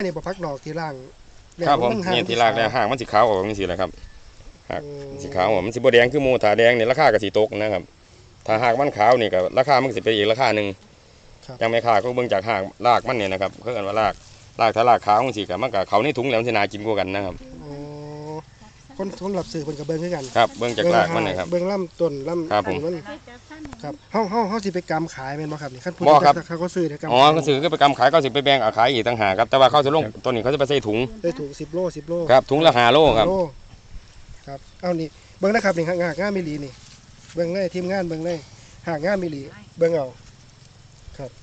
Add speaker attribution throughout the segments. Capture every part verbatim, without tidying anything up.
Speaker 1: นี่บ่พักดอกที่ล่าง
Speaker 2: ครับผมนี่ที่รากแล้วห่างมันสีขาวออกนี่สิแหละครับหากสีขาวมันสีบแดงคือโมถาแดงนี่ราคาก็สีตกนะครับถ้าหากมันขาวนี่ก็ราคามันสิเป็นอีกราคาหนึ่งยังไม่ขาดก็เบิ่งจากหางรากมันเนี่ยนะครับเขาเรียกว่ารากรากถ้ารากขาวมันสีกับมันกับเขาในถุงแล้วมันจะน่ากินกว่ากันนะครับ
Speaker 1: คนสำหรับสื่อคนกับเบิ้งคือกัน
Speaker 2: ครับเบิ้งจากรากมันนะครับ
Speaker 1: เบิ้งลำต้นลำ
Speaker 2: ครับผม
Speaker 1: ครับเฮาเฮาเฮาสิไปกำขายเป็นบ่ครับนี่ขั้นพูดเขาก็ซื้อ
Speaker 2: อ๋อเขาซื้อก็ไปกำขายก็สิไปแบ่งขายอีกต่างหากครับแต่ว่าเขาจะลงต้นนี้เขาจะไปใส่ถุง
Speaker 1: ได้ถุงสิบโลสิบโล
Speaker 2: ครับถุงละห้าโลครับ
Speaker 1: ครับเอานี่เบิ้งนะครับนี่หากงานมิลีนี่เบิ้งเลยทีมงานเบิ้งเลยหากงานมิลีเบิ้งเอาครับ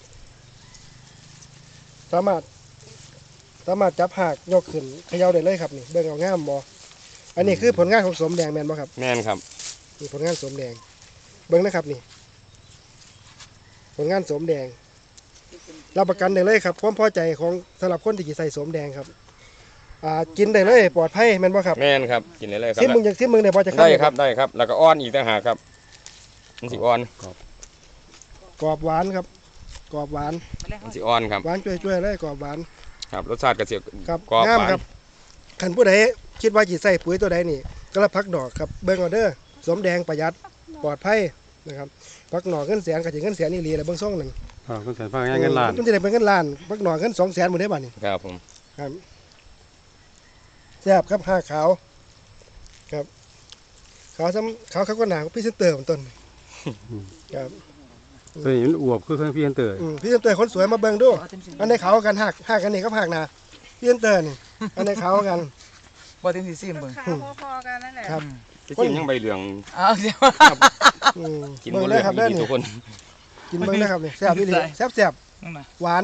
Speaker 1: สามารถสามารถจับหากยกขึ้นเขย่าได้เลยครับนี่เบิ้งเอางามบ่อันนี้คือผลงานของสมแดงแมนบ่ครับ
Speaker 2: แมนครับ
Speaker 1: นี่ผลงานสมแดงเบิ้งนะครับนี่ผลงานสมแดงรับประกันได้เลยครับความพอใจของสำหรับคนที่จะใส่สมแดงครับอ่ากินได้เลยปลอดภัยแมนบ่ครับ
Speaker 2: แมนครับกินได้เลยครับ
Speaker 1: ที่มึงอยากที่มึงได้พอจะ
Speaker 2: ได้ครับได้ครับแล้วก็อ้อนอีกต่างหากครับมันสิอ้อน
Speaker 1: กรอบหวานครับกรอบหวาน
Speaker 2: มันสิอ้อนครับ
Speaker 1: หวานช่วยๆเลยกรอบหวาน
Speaker 2: ครับรสชาติกระเสีย
Speaker 1: ครับงามครับขันผู้ใดคิดว่าจีใส่ปุ๋ยตัวใดนี่ก็รับพักดอกครับเบิ้งออเดอร์สมแดงประหยัดปลอดภัยนะครับพักหน่อเงินแสนกับจีเงินแสนนี่รีอะไรเบิ้งซ่องหนึ่ง
Speaker 3: ครับเงินแสนพักเงินล้าน
Speaker 1: มันจะได้เป็นเงินล้านพักหน่อเงินสองแสนหมดได้บ้านี่
Speaker 2: ครับผม
Speaker 1: ครับแซ่บครับห้าขาวครับขาวซ้ำขาวเขาก็หนาพี่เซนเตอร์ต้นครับ
Speaker 3: ตัวนี้มันอวบคือเครื่องพี่เซนเตอร์
Speaker 1: พี่เซนเตอร์คนสวยมาเบิ้งดูอันในเขากันหักหักกันนี่ก็หักนาพี่เซนเตอร์นี่อันในเขากัน
Speaker 4: บ่ถึงสิซิมเบิ่ง
Speaker 5: พอๆกันนั่นแหละ
Speaker 1: ครับ
Speaker 2: กินยังใบเหลือง
Speaker 4: อ้าวเดี๋ยว
Speaker 2: กินหมดเลยครับได้ทุกคน
Speaker 1: กินเบิ่งได้ครับนี่แซ่บนี่แซ่บแซ่บหวาน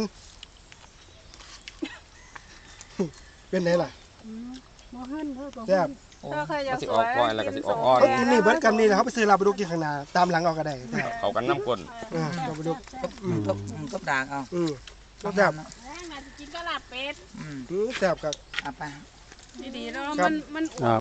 Speaker 1: เป็นไงล่ะแซ่บ
Speaker 5: ถ้าใครอยากสวยกินสม
Speaker 1: เขากินนี่เบิร์ดกันนี่นะเขาไปซื้อลาบดุกกินข้างหน้าตามหลังเอาก็ได้
Speaker 2: เขากันน้ำก้น
Speaker 1: อ่าลาบดุก
Speaker 4: ก็ก็ด่างเอา
Speaker 1: อืมก็แซ่บ
Speaker 5: กินก็ลาบเป็ด
Speaker 1: อืมแซ่บครับ
Speaker 4: อ่ะไป
Speaker 5: ดีๆแล้วมันมัน